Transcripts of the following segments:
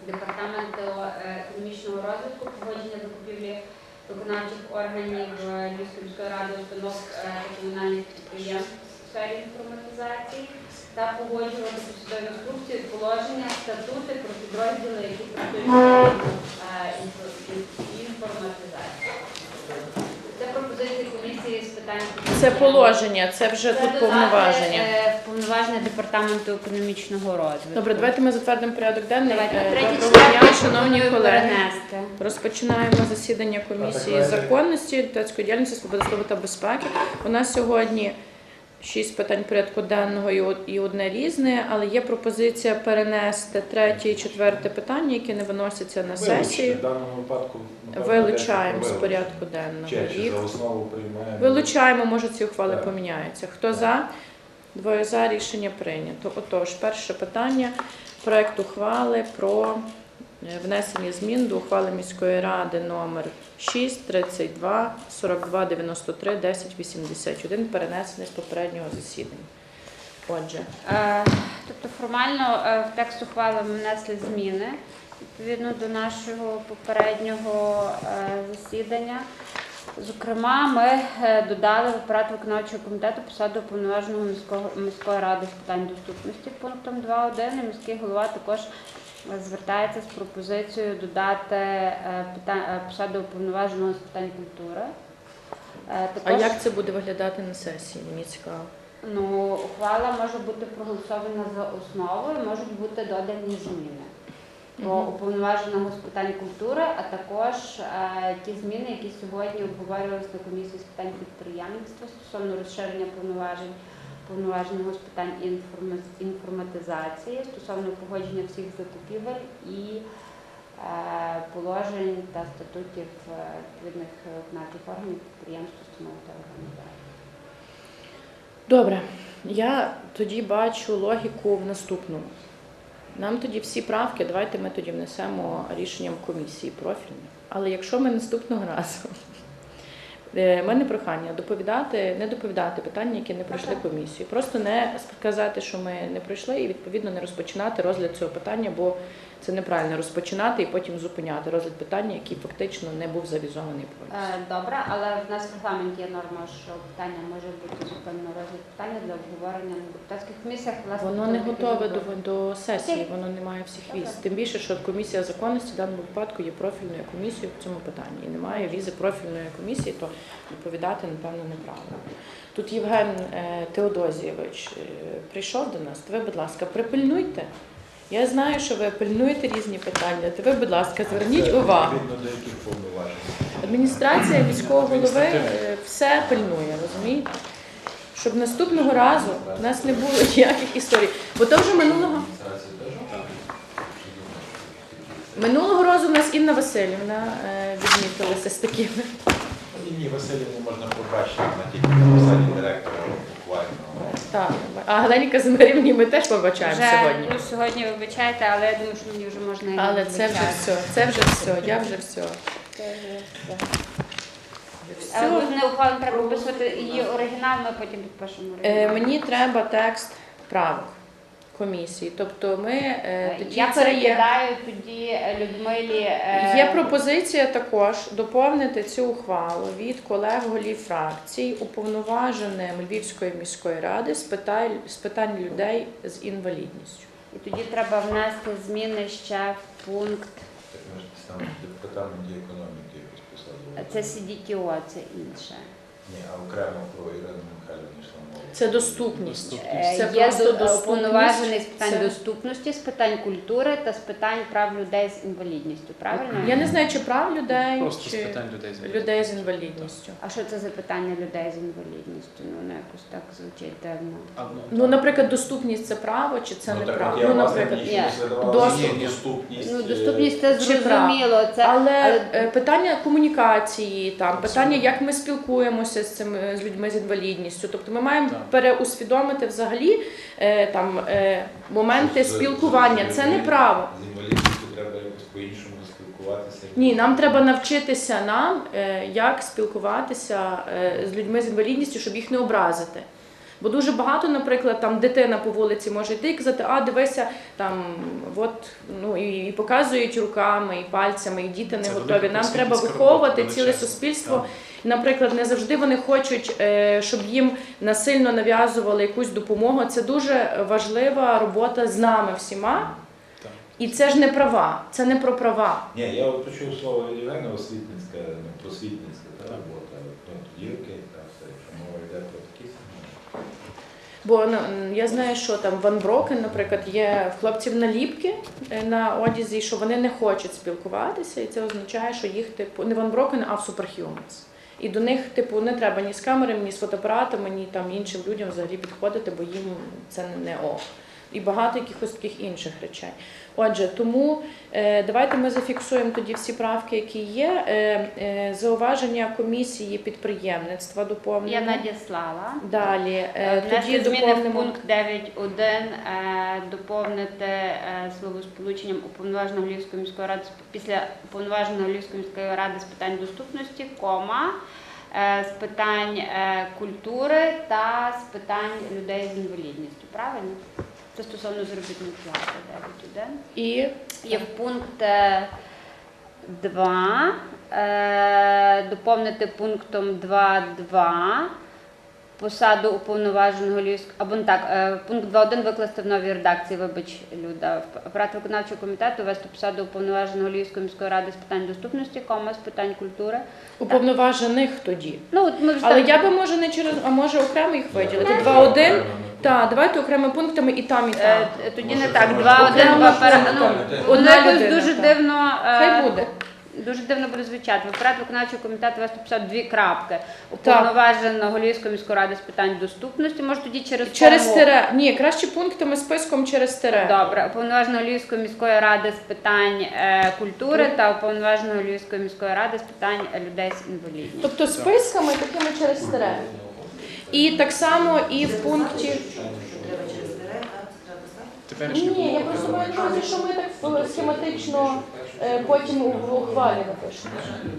Департаменту економічного розвитку, погодження закупівлі виконавчих органів Львівської міської ради, установ та комунальних підприємств у сфері інформатизації та погоджувати посадові інструкції, положення, статути про підрозділи, які працюють в інформатизації. Це пропозиції комісії з питань... Це положення, це вже тут повноваження. Повноваження Департаменту економічного розвитку. Добре, давайте ми затвердимо порядок денний. Доброго дня, шановні колеги. Перенести. Розпочинаємо засідання комісії законності, депутатської діяльності, свободи слова та безпеки. У нас сьогодні 6 питань порядку денного і одне різне, але є пропозиція перенести 3 і 4 питання, які не виносяться на сесію. В даному випадку Вилучаємо з порядку денного. Чи за основу приймаємо? Вилучаємо, може ці ухвали Так. поміняються. Хто за? Двоє за, рішення прийнято. Отож, перше питання. Проект ухвали про внесення змін до ухвали міської ради номер 6, 32, 42, 93, 10, 81, перенесений з попереднього засідання. Отже. Тобто формально в текст ухвали ми внесли зміни відповідно до нашого попереднього засідання. Зокрема, ми додали в апарат виконавчого комітету посаду уповноваженого міської ради з питань доступності пунктом 2.1. І міський голова також звертається з пропозицією додати посаду уповноваженого з питань культури. А як це буде виглядати на сесії? Мені цікаво. Ну, ухвала може бути проголосована за основу і можуть бути додані зміни про уповноваженого з питань культури, а також ті зміни, які сьогодні обговорювалися на комісії з питань підприємництва стосовно розширення повноваженого з питань інформатизації, стосовно погодження всіх закупівель і положень та статутів відповідних виконавчих органів, підприємств, установ та організацій. Добре, я тоді бачу логіку в наступному. Нам тоді всі правки, давайте ми тоді внесемо рішенням комісії профільної. Але якщо ми наступного разу, в мене прохання не доповідати питання, які не пройшли комісію. Просто не сказати, що ми не пройшли і відповідно не розпочинати розгляд цього питання, бо це неправильно розпочинати і потім зупиняти розгляд питання, який фактично не був завізований повністю. Добре, але в нас в регламенті є норма, що питання може бути зупинено розгляд питання для обговорення на депутатських комісіях. Воно не готове до сесії, воно не має всіх віз. Тим більше, що комісія законності в даному випадку є профільною комісією в цьому питанні. І немає візи профільної комісії, то доповідати, напевно, неправильно. Тут Євген Теодозійович прийшов до нас, то ви, будь ласка, припильнуйте. Я знаю, що ви пильнуєте різні питання, то ви, будь ласка, зверніть увагу. Адміністрація міського голови все пильнує, розумієте? Щоб наступного разу у нас не було ніяких історій. Бо то вже минулого разу у нас Інна Васильівна відмітилася з такими. Інні Васильівні можна побачити на тільки на посаді директора буквально. Так, а Галині Казимирівні ми теж побачаємо сьогодні. Ну, сьогодні вибачайте, але я думаю, що мені вже можна і але це вже все, я вже все. Але не ухвалено, треба виписувати її оригінал, ми потім підпишемо оригінал. Мені треба текст правок комісії. Тобто ми тоді я перекидаю тоді Людмилі. Є пропозиція також доповнити цю ухвалу від колег-голів фракцій уповноваженим Львівської міської ради з питань людей з інвалідністю. І тоді треба внести зміни ще в пункт. Так ми ж там департамент економіки якось посадили. Це CDTO, це інше. Ні, а окремо про Ірину Михайлівну йшла мова. Це доступність. Це є уповноважений з питань доступності, з питань культури та з питань прав людей з інвалідністю. Правильно? Я не знаю, чи прав людей, Просто чи з питань людей з інвалідністю. А що це за питання людей з інвалідністю? Ну, воно якось так звучить дивно. Ну, наприклад, доступність – це право, чи це не право? Ну, наприклад, доступність. Ну, доступність – це зрозуміло. Але питання комунікації, там, питання, як ми спілкуємося з людьми з інвалідністю. Тобто ми маємо переусвідомити взагалі моменти спілкування. Це не право. З інвалідністю треба якось по-іншому спілкуватися. Ні, нам треба навчитися як спілкуватися з людьми з інвалідністю, щоб їх не образити. Бо дуже багато, наприклад, там дитина по вулиці може йти і казати, а дивися, там, от, ну, і показують руками, і пальцями, і діти не Це готові. велика Нам треба просвітницька виховувати робота, ціле величезна. суспільство. Так. Наприклад, не завжди вони хочуть, щоб їм насильно нав'язували якусь допомогу. Це дуже важлива робота з нами всіма. Так. І це ж не права, це не про права. Ні, я от почув слово Євгена, освітницька, просвітницька та робота. Ну, тоді окей, так, все, якщо мова йде про такі самі. Бо ну, я знаю, що там Ван Брокен, наприклад, є в хлопців наліпки на одязі, що вони не хочуть спілкуватися, і це означає, що їх типу не Ван Брокен, а в Superhumans. І до них типу не треба ні з камерами, ні з фотоапаратами, ні там іншим людям взагалі підходити, бо їм це не ок. І багато якихось таких інших речей. Отже, тому давайте ми зафіксуємо тоді всі правки, які є. Зауваження комісії підприємництва доповнено. Я надіслала. Далі. Тоді Внесли зміни в доповнимо. пункт 9.1, доповнити словосполученням уповноваженого Львівської міської ради після уповноваженого Львівської міської ради з питань доступності, кома, з питань культури та з питань людей з інвалідністю. Правильно? Це стосовно заробітної плати 9.1. І Є в пункт 2, доповнити пунктом 2.2 посаду уповноваженого Львівського, або не так, пункт 2.1 викласти в новій редакції, вибач, Люда. Апарат виконавчого комітету ввести посаду уповноваженого Львівської міської ради з питань доступності, кома, з питань культури. уповноважених тоді. Ну, от ми вже Але так- я би може не через, а може окремо їх виділити. 2.1. Так, давайте окремими пунктами і там, і там. Тоді Може, не це так, можна 2.1, окремо 2 пера... пунктом. Ну, Одна воно якось людина, дуже так. дивно. Хай буде. Дуже дивно буде звучати. В апарат виконавчого комітету вести посаду 2 крапки. Уповноваженого Львівської міської ради з питань доступності. Може тоді Через кому? тире. Ні, краще пунктами списком через тире. Добре, уповноваженого Львівської міської ради з питань культури та уповноваженого Львівської міської ради з питань людей з інвалідністю. Тобто списками такими через тире. І так само і в пункті. Теперішнє Ні, я було, просто маю на увазі, що ми так схематично потім в ухвалі напишемо.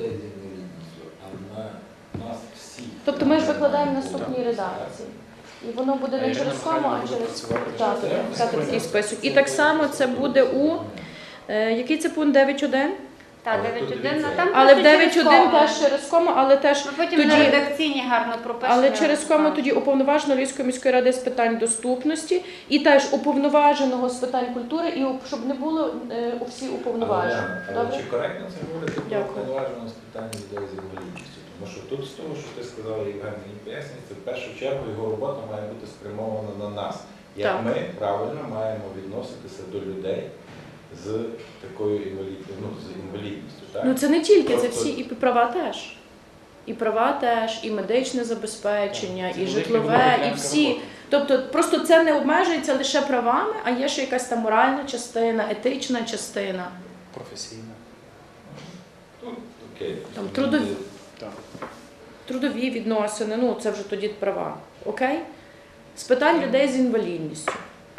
Тобто ми ж викладаємо в наступній редакції. І воно буде не Ірина через кому, Михайлівна а буде через працювати. так, Так. писати такий список. І так само це буде у який це пункт 9.1? Так, Але тут 9.1, дивіться. там Але в просто через 9.1 кому. теж через кому, але теж Ми потім на тоді. редакційні гарно пропишемо. Але через кому тоді уповноваженого Львівської міської ради з питань доступності і теж уповноваженого з питань культури, і щоб не було всі уповноважені. Але Добре? чи коректно це говорити про Дякую. уповноваженого з питань людей з інвалідністю? Тому що тут з того, що ти сказала, Євген, мені пояснює, це в першу чергу його робота має бути спрямована на нас. Як Так. ми правильно маємо відноситися до людей з такою інвалідністю. Так? Ну це не тільки, це Просто- всі і права теж. І права теж, і медичне забезпечення, Це і велика житлове, і велика всі. робота. Тобто просто це не обмежується лише правами, а є ще якась там моральна частина, етична частина. Професійна. Ну, окей. Там трудові. Так. Трудові відносини, ну це вже тоді права. Окей? З питань людей з інвалідністю.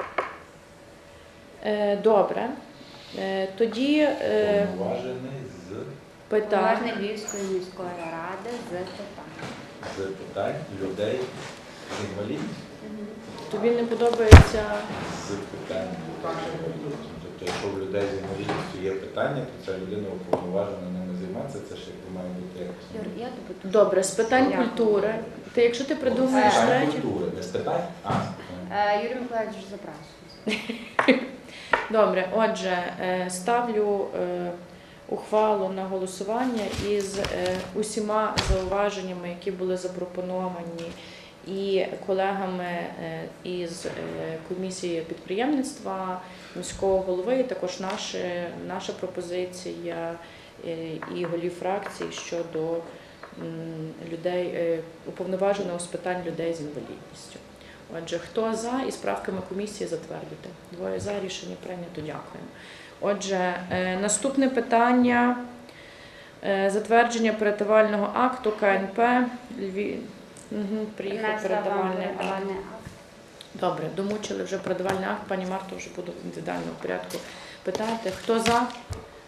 Добре. Тоді Уповноважений питання. Уповноважений Львівської міської ради з питань. з питань людей з інвалідністю. Тобі не подобається. З питань людей з інвалідністю. Тобто, якщо в людей з інвалідністю є питання, то ця людина уповноважена ними займатися, це ж якби має бути якось. Юр, я тобі тут. Добре, з питань Дякую. культури. Ти, якщо ти придумаєш З питань третє. культури, не з питань, а з питань. Юрій Миколаївич вже запрашує. Добре, отже, ставлю ухвалу на голосування із усіма зауваженнями, які були запропоновані і колегами із комісії підприємництва, міського голови, і також наша пропозиція і голів фракцій щодо людей, уповноваженого з питань людей з інвалідністю. Отже, хто за, і з правками комісії затвердити. 2 за, рішення прийнято, дякуємо. Отже, наступне питання – затвердження передавального акту КНП Львів. Приїхав Принесла вам передавальний акт. передавальний акт. Добре, домучили вже передавальний акт. Пані Марто вже буду в індивідуальному порядку питати. Хто за?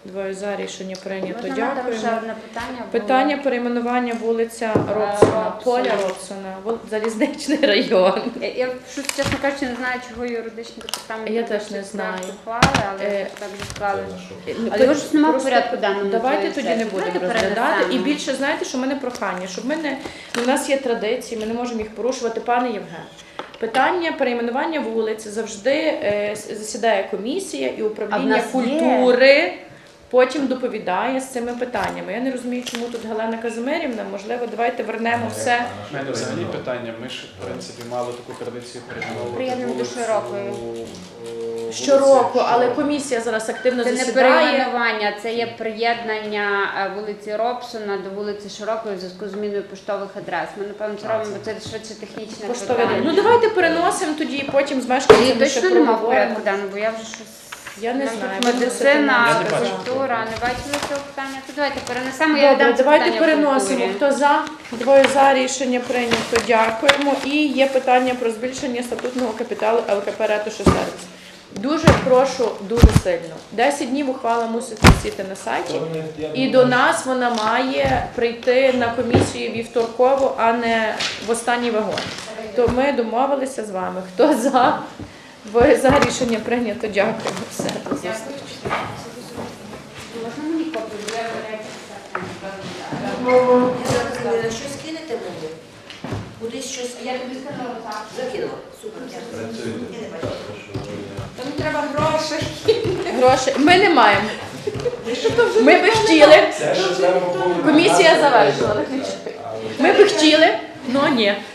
Двоє за, рішення прийнято. Можна надати ще Дякуємо. одне питання? Бо- Питання перейменування вулиця Робсона, Робсона. Поля Робсона, Залізничний район. Я щось, чесно кажучи, не знаю, чого юридичний департамент. Я не теж вивчив не знаю. проект ухвали, але Е, так відклали. Це на що? Але його ж немає в Просто порядку денному. Давайте цієї тоді не сесії. будемо Давайте розглядати. І перенесемо. більше, знаєте, що в мене прохання, щоб ми не... Ну, у нас є традиції, ми не можемо їх порушувати. Пане Євген, питання перейменування вулиць завжди засідає комісія і А в управління нас є. культури потім доповідає з цими питаннями. Я не розумію, чому тут Галина Казимирівна. Можливо, давайте вернемо все. У мене взагалі питання. Ми ж, в принципі, мали таку традицію перейменовувати Приєднуємо до вулицю, Широкої. вулиці Щороку, але Широкої. комісія зараз активно Це не засідає. перейменування, це є приєднання вулиці Робсона до вулиці Широкої в зв'язку з зміною поштових адрес. Ми, напевно, це робимо, бо це швидше технічне Поштове. питання. Ну давайте переносимо тоді і потім з Її мешканцями ще точно немає в проговоримо. порядку денному, бо я вже щось... Я не Нам знаю. тут медицина, Я не бачу. культура, не бачили цього питання. То давайте перенесемо, я Добре, віддам це давайте питання переносимо. культурі. Хто за? Двоє за, рішення прийнято. Дякуємо. І є питання про збільшення статутного капіталу ЛКП «Ратуша Сервіс». Дуже прошу, дуже сильно. 10 днів ухвала мусить висіти на сайті. І до нас вона має прийти на комісію вівторкову, а не в останній вагон. То ми домовилися з вами. Хто за? Двоє за, рішення прийнято. Дякуємо. Все, до зустрічі. Можна мені копію? Бо я вважаю, Щось кинете мені? Кудись щось Я тобі сказала так. закинула. Супер, дякую. Працюйте. Я не бачу. Тому треба грошей. Гроші. Ми не маємо. Ми би хотіли. Це ж треба було- Комісія завершила. Ми би хотіли, але ні.